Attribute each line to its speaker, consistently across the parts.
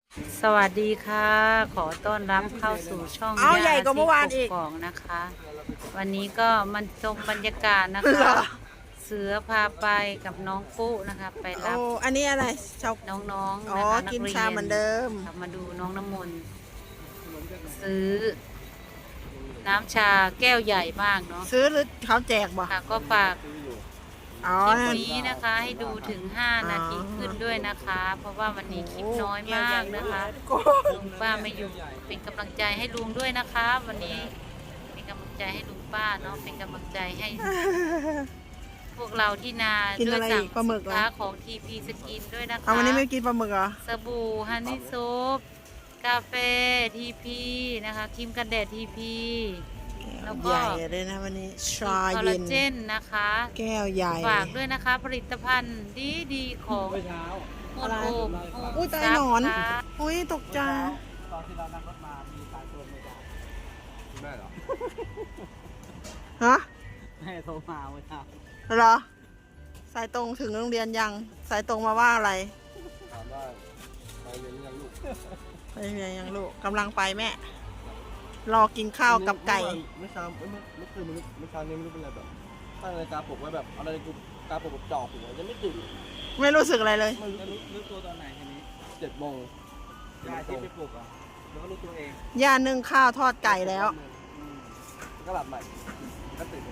Speaker 1: สวัสดีค่ะขอต้อนรับเข้าสู่ช่อง
Speaker 2: เอาใหญ่กว่าเมื่อวานอีก
Speaker 1: กองนะคะ วันนี้ก็มันชมบรรยากาศนะคะ เสือพาไปกับน้องปุ๊นะคะ ไปรั
Speaker 2: โอ้
Speaker 1: บ
Speaker 2: อันนี้อะไรชาว
Speaker 1: น้องๆ
Speaker 2: อ๋อ
Speaker 1: นะคะนั
Speaker 2: กิ
Speaker 1: ก
Speaker 2: น
Speaker 1: เรีย
Speaker 2: ชาน เหมือนเดิม
Speaker 1: มาดูน้องน้ำมนต์ซื้อ น้ำชาแก้วใหญ่มากเนาะ
Speaker 2: ซื้อหรือเขาแจกบ่
Speaker 1: ค่ะก็ฝาก
Speaker 2: อ๋อ
Speaker 1: คลิปนี้นะคะให้ดูถึง 5 นาทีขึ้นด้วยนะคะ เพราะว่าวันนี้คลิปน้อยมากนะคะลุงป้าไม่อยู่เป็นกำลังใจให้ลุงด้วยนะคะ วันนี้เป็นกำลังใจให้ลุงป้าเนาะเป็นกำลังใจให้พวกเราที่นา
Speaker 2: กิน
Speaker 1: ด้ว
Speaker 2: อะ
Speaker 1: ย
Speaker 2: ไร
Speaker 1: สั่
Speaker 2: อี
Speaker 1: ง
Speaker 2: กปลาหมึก
Speaker 1: สิน
Speaker 2: เหรอ
Speaker 1: ค้าของทีพีสกินด้วยนะคะ
Speaker 2: เอาวันนี้ไม่กินปลาหมึกเหรอ
Speaker 1: สบู่ฮันนี่โซฟกาแฟทีพีนะคะครีมกันแดดทีพีแล้วก็
Speaker 2: ใหญ่เลยนะวันนี้ชา
Speaker 1: คอลลา
Speaker 2: เย็น
Speaker 1: เจนนะคะ
Speaker 2: แก้วใหญ่
Speaker 1: ฝากด้วยนะคะ ผลิตภัณฑ์ดีของโมโอม
Speaker 2: อุ้ยตายหนอน อุ้ยตกใจ
Speaker 3: ตอนที่เรานั่งรถมา มีสายโทรมาจาก
Speaker 4: แม่เหรอ
Speaker 2: ฮะ
Speaker 3: แม่โทรมาเมื่อเช้า
Speaker 2: เหรอ สายตรงถึงโรงเรียนยัง สายตรงมาว่าอะไร
Speaker 4: ถามว่าไปเรียนหรือยังลูก
Speaker 2: ไปเรียนยังลูกกำลังไปแม่ รอกินข้าวกับไก่
Speaker 4: เมื่อเช้าเมื่อคืนเมื่อเช้านี้ไม่รู้เป็นอะไรแบบตั้งนาฬิกาปลุกไว้แบบเอานาฬิกาปลุกแบบจ่อหัวยังไม่ตื่น
Speaker 2: ไม่รู้สึกอะไรเลย
Speaker 4: ไม่รู้
Speaker 3: จะรู้ตัวตอนไหนทีนี้
Speaker 4: 7 โมง
Speaker 3: ยายที่ไปปลุกอ่ะแล้วก็รู้ตัวเอง
Speaker 2: ย่านึ่งข้าวทอดไก่แล้ว
Speaker 3: อืม
Speaker 4: ก็หลับใหม่ก็ตื่น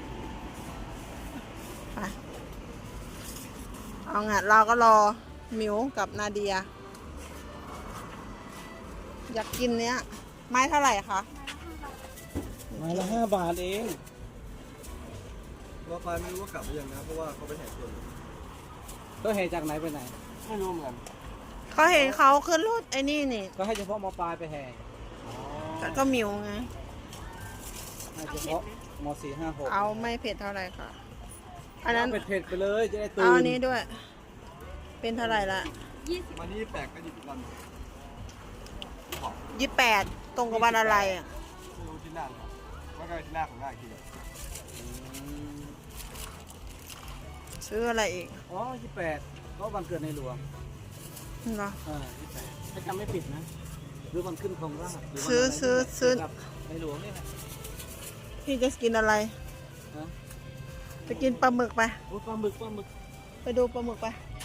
Speaker 2: ไปเอางั้นเราก็รอหมิวกับนาเดีย อยากกินเนี้ย ไม้เท่าไหร่คะ
Speaker 3: ไม้ละ5 บาทเอง
Speaker 4: รอไฟไม่รู้ว่ากลับหรือยังนะเพราะว่าเขาไปแห่ชน
Speaker 3: ก็เหตุจากไหนไปไหน
Speaker 4: ไม่รู้เหมือนกัน
Speaker 2: เขาเห็นเขาขึ้นรถไอ้นี่นี่
Speaker 3: ก็ให้เฉพาะมปลายไปแห่อ๋อ
Speaker 2: ก็หมิวไง
Speaker 3: ให้เฉพาะม4 5 6
Speaker 2: เอาไม่เผ็ดเท่าไหร่ค่ะ อันนั้น
Speaker 3: เผ็ดๆไปเลยจะได้ตื่น
Speaker 2: เอาอันนี้ด้วย เป็นเท่าไหร่ละ
Speaker 4: มานี่แปลกก็หยุดอีกวัน
Speaker 2: 28ตรงกับวันอะไรอ่ะ
Speaker 4: ไม่รู้ที่หน้าหรือเปล่าว่าก็ที่หน้าของหน้าอีกทีเดียว
Speaker 2: ซื้ออะไรอีก
Speaker 3: อ๋อ28ก็วันเกิดในหลวง
Speaker 2: เหรอ
Speaker 3: 28ถ้าจำไม่ผิดนะหรือวันขึ้นของราชหรือวัน
Speaker 2: ซื้อ
Speaker 3: อะไร
Speaker 2: ซื้อ
Speaker 3: กับในหลวงนี่แหละ
Speaker 2: พี่จะกินอะไร
Speaker 3: ฮะ
Speaker 2: จะกินปลาหมึกไป
Speaker 3: โอ้ปลาหมึก
Speaker 2: ไปดูปลาหมึกไป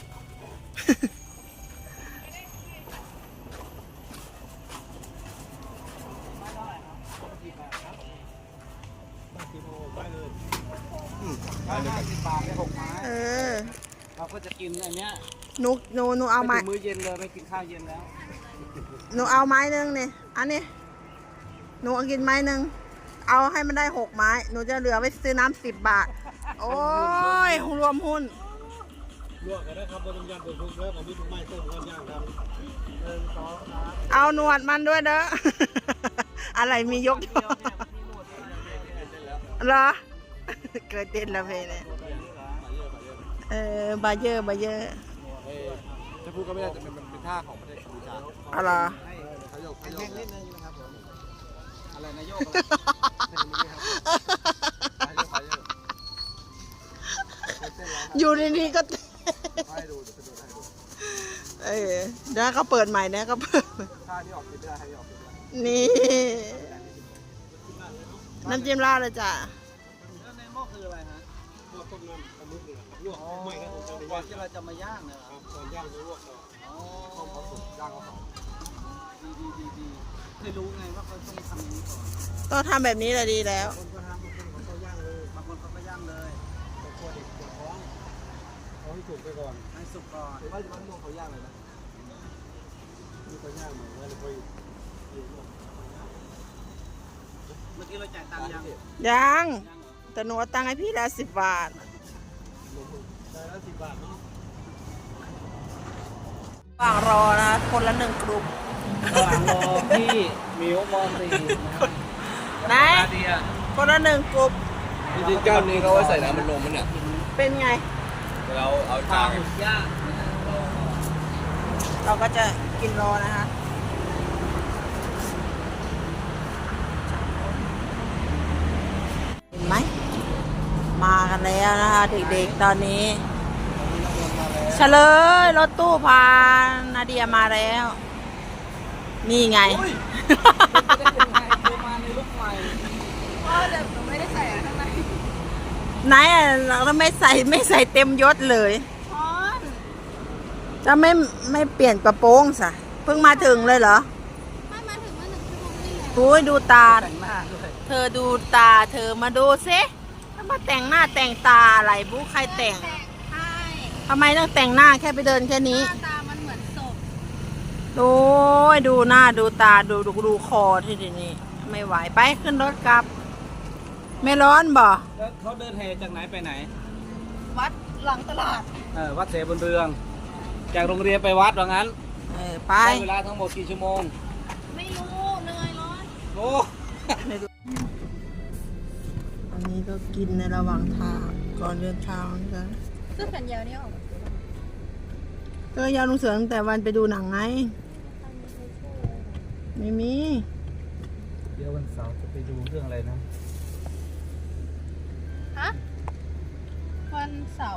Speaker 4: ไปเลยกัน
Speaker 3: 10 บาทได้6 ไม้
Speaker 2: เออ
Speaker 3: เราก็จะกินอันเนี้ย
Speaker 2: หนูเอาไม้
Speaker 3: ไปถึงมื้อเย็นเลยไม่กินข้าวเย็นแล้ว
Speaker 2: หนูเอาไม้หนึงนี่อันนี้หนูเอากินไม้หนึงเอาให้มันได้6 ไม้ หนูจะเหลือไว้ซื้อน้ำ10 บาท โอ้ยรวมหุ้น
Speaker 3: ลวกกันนะครับบนยำเป็นทุกเรื่องของพี่ทุกไม้ต้มกันย่างครับ1 2 3
Speaker 2: เอาหนวดมันด้วยเด้อ อะไรมียกเหรอ เกิดเต้นแล้วเพลงเนี่ยบาเยอร์
Speaker 4: จะพูดก็ไม่ได้แต่มันเป็นท่าของประเทศกัมพูชา
Speaker 2: อะไรอ
Speaker 4: เขาโยก
Speaker 3: แห้งนิดนึงนะครับผมอะไรนายก
Speaker 2: อยู่ในนี้ก็
Speaker 4: ให้ดูเดี๋ยวจะดูให้ดู
Speaker 2: เดี๋ยวเขาเปิดใหม่นะเขาเปิด
Speaker 4: ท่าที่ออกคลิปไม่ได้ท่าที่ออกคลิปไม่ได้
Speaker 2: นี่น้ำจิ้มราดเลยจ้ะ
Speaker 3: แล้วในหม้อคืออะไรฮะลวกต้มน้ำปลาหมึกเลยครับลวกไม่ครับก่อนที่เราจะมาย่างเนี่ยครับก่อนย่างจะลวกก่อนอ๋อ
Speaker 4: ต้มเขาสุกย่างเขาหอม
Speaker 3: ดีเคยรู้ไงว่าเขาต้องทำอย่างนี้ก่อน
Speaker 2: ต้องทำแบบนี้แหละดีแล้ว
Speaker 3: คนก็ทำบางคนเขาก็ย่างเลยบางคนเขาก็ย่างเลยแต่ตัวเด็กปวดท้องเอาให้สุกไปก่อนให้สุกก่อน
Speaker 4: หรือว่าจะต้องเขาย่างเลยนะ
Speaker 3: มีเขาย่างเหมือนว่าจะไปเมื่อกี้เราจ่ายตังค์ยัง
Speaker 2: ยัง
Speaker 3: ยังเหรอ
Speaker 2: แต่หนูเอาตังค์ให้พี่แล้ว10 บาท
Speaker 3: ได้แล้ว10 บาทเนาะ
Speaker 2: ว่างรอนะ คนละ1 กลุ่ม
Speaker 3: ระหว่างรอพี่หมิวมอสีนะครับ
Speaker 2: ไหน
Speaker 3: นาเดีย
Speaker 2: คนละ1 กลุ่ม
Speaker 4: จริงๆแก้วนี้เขาไว้ใส่น้ำมันนมมันเนี่ย
Speaker 2: เป็นไง
Speaker 4: เราเอา
Speaker 3: ปลา
Speaker 4: จาง
Speaker 3: หมึกย่างนะครับ
Speaker 2: เราก็จะกินรอนะคะเห็นไหม มากันแล้วนะคะ เด็กๆตอนนี้เฉลยรถตู้พานาเดียมาแล้วนี่ไง
Speaker 3: อุ้ยเป็นไปได้ยังไงเธอมาในลุคใหม่
Speaker 2: ไหนอะเราก็ไม่ใส่เต็มยศเลยจะไม่เปลี่ยนกระโปรงสะเพิ่งมาถึงเลยเหรอ
Speaker 5: ไม่มาถึงมา1 ชั่วโมงนี่แหละ
Speaker 2: โอ้ยดูตา
Speaker 3: แต่งหน้าด้วย
Speaker 2: เธอดูตาเธอมาดูซิถ้ามาแต่งหน้าแต่งตาอะไรบุ๊ใครแต่ง
Speaker 5: ใช่
Speaker 2: ทำไมต้องแต่งหน้าแค่ไปเดินแค่
Speaker 5: ห
Speaker 2: นี้
Speaker 5: น้าตามันเหมือนศพ
Speaker 2: โอ้ยดูหน้าดูตาดูคอที่นี่ไม่ไหวไปขึ้นรถกลับ ไม่ร้อนบ่
Speaker 3: แล้วเขาเดินแห่จากไหนไปไหน
Speaker 5: วัดหลังตลาด
Speaker 3: วัดเสบุญเรือง จากโรงเรียนไปวัดว่างั้น
Speaker 2: ไป
Speaker 3: ใช้เวลาทั้งหมดกี่ชั่วโมง
Speaker 5: ไม่รู้เหนื่อยร้อน
Speaker 3: โอ้
Speaker 2: อันนี้ก็กินในระหว่างทางก่อนเดินทางกัน
Speaker 5: เสื้อแขนยาวนี่ออก
Speaker 2: ก็ยาวลุงเสือตั้งแต่วันไปดูหนังไงไม่มี
Speaker 3: เดี๋ยววันเสาร์จะไปดูเรื่องอะไรนะ
Speaker 5: ฮะวันเสาร์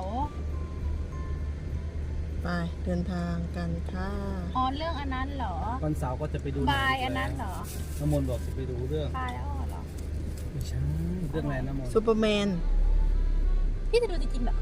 Speaker 2: ไปเดินทางกันค่ะ
Speaker 5: อ๋อเรื่องอันนั้นเหรอ
Speaker 3: วันเสาร์ก็จะไปดู
Speaker 5: บายอันนั้นเหรอ
Speaker 3: น้ำมนต์บอกจะไปดูเรื่อง
Speaker 5: บายแล้วอ๋อเหรอ
Speaker 3: ไม่ใช่เรื่องอะไรน้ำมนต์
Speaker 2: ซูเปอร์แมน
Speaker 5: พี่จะดูจริงๆเหรอ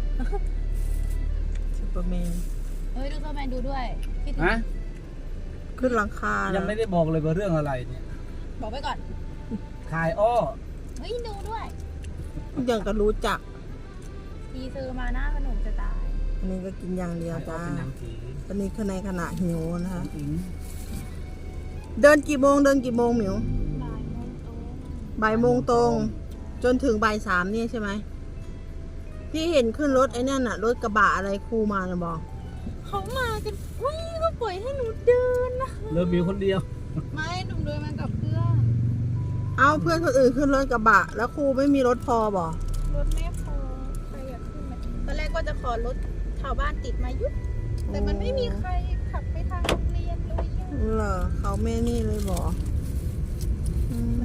Speaker 2: ซูเปอร์แมน
Speaker 5: เฮ้ยดูตัวแมนดูด้วยพี่จะ
Speaker 3: ฮะ
Speaker 2: ขึ้นหลังคา
Speaker 3: ยั
Speaker 2: ยัง
Speaker 3: ไม่ได้บอกเลยว่าเรื่องอะไรเนี่ย
Speaker 5: บอกไว้ก่อน
Speaker 3: ขายอ้อ
Speaker 5: เฮ้ยดูด้วย
Speaker 2: ยังก็รู้จัก
Speaker 5: ทีซื้อมาหน้าขนมจะตาย
Speaker 2: อันนี้ก็กินอย่างเดียว
Speaker 3: ขายอ้อ
Speaker 2: จ้า
Speaker 3: เป็นหนังผี
Speaker 2: ตอนนี้คือในขณะหิวนะคะ
Speaker 3: อิง
Speaker 2: เดินกี่โมงหมิว
Speaker 5: บ่ายโมงตรง
Speaker 2: บ่ายโมงตรง จนถึงบ่ายสามเนี่ยใช่ไหมพี่เห็นขึ้นรถไอ้นั่นน่ะรถกระบะอะไรครูมานะบอก
Speaker 5: เขามากันอุ้ยก็ปล่อยให้หนูเดินนะ
Speaker 3: เลิฟบิวคนเดียว
Speaker 5: ไม่หนูเดินมากับเพื่อน
Speaker 2: เอาเพื่อนคนอื่นขึ้นรถกระบะ แล้วครูไม่มีรถพอบอก
Speaker 5: รถไม่พอใครอยากขึ้นไหมตอนแรกก็จะขอรถชาวบ้านติดมายุดแต่มันไม่มีใครขับไปทางโรงเรียนเลยอะ
Speaker 2: เหรอเขาไม่นี่เลยบอกอืม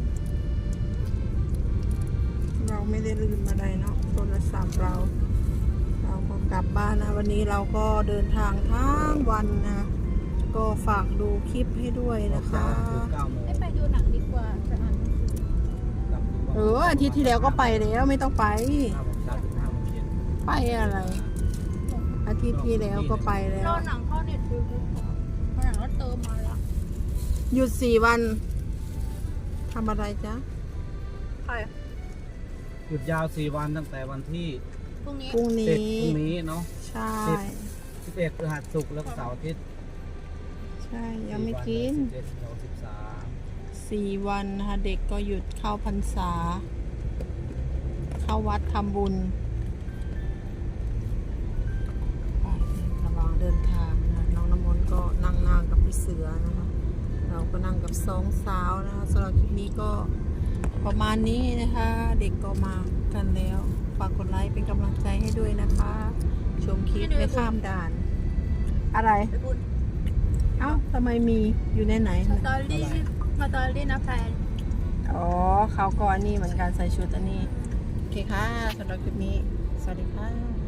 Speaker 2: เราไม่ได้ลืมอะไรเนาะโทรศัพท์เราก็กลับบ้านนะวันนี้เราก็เดินทางทั้งวันนะก็ฝากดูคลิปให้ด้วยนะคะ
Speaker 3: 9 โมง
Speaker 5: ไม่ไปดูหนังดีกว่าจะอ่านหนังสือ
Speaker 3: กลับถึง
Speaker 2: อาทิตย์ที่แล้วก็ไปแล้วไม่ต้องไป
Speaker 3: 5 โมงเช้าถึง5 โมงเย็น
Speaker 2: ไปอะไร อาทิตย์ที่แล้วก็ไปแล้
Speaker 5: ร
Speaker 2: ว
Speaker 5: อหนังเข้าเน็ตฟลิกซ์ก่อนเพราะหนังก็เติมมาแล้ว
Speaker 2: หยุด4 วันทำอะไรจ๊ะ
Speaker 5: ใคร
Speaker 3: หยุดยาว 4 วันตั้งแต่วันที่
Speaker 5: พรุ่งนี้
Speaker 2: พรุ่ง
Speaker 3: 10
Speaker 2: นี้
Speaker 3: พรุ่งนี้เนาะ
Speaker 2: ใช่
Speaker 3: 11พฤหัสศุกร์แล้วก็เสาร์อาทิตย์
Speaker 2: ใช่ยังไม่กิน
Speaker 3: 11 12
Speaker 2: 4 วันนะคะเด็กก็หยุดเข้าพรรษา เข้าวัดทำบุญไประหว่างเดินทางนะน้องน้ำมนต์ก็นั่งกับพี่เสือนะคะ เราก็นั่งกับสองสาวนะคะสำหรับคลิปนี้ก็ประมาณนี้นะคะ เด็กก็มากันแล้วฝากกดไลค์เป็นกำลังใจให้ด้วยนะคะ ชมคลิปไม่ข้ามด่าน อะไร
Speaker 5: ไปบุญ
Speaker 2: เอ้าทำไมมีอยู่ในไหน
Speaker 5: สตอรี่มาตอรี่นะแฟน
Speaker 2: อ๋อเขาก็อันนี้เหมือนกันใส่ชุดอันนี้ โอเคค่ะสำหรับคลิปนี้ สวัสดีค่ะ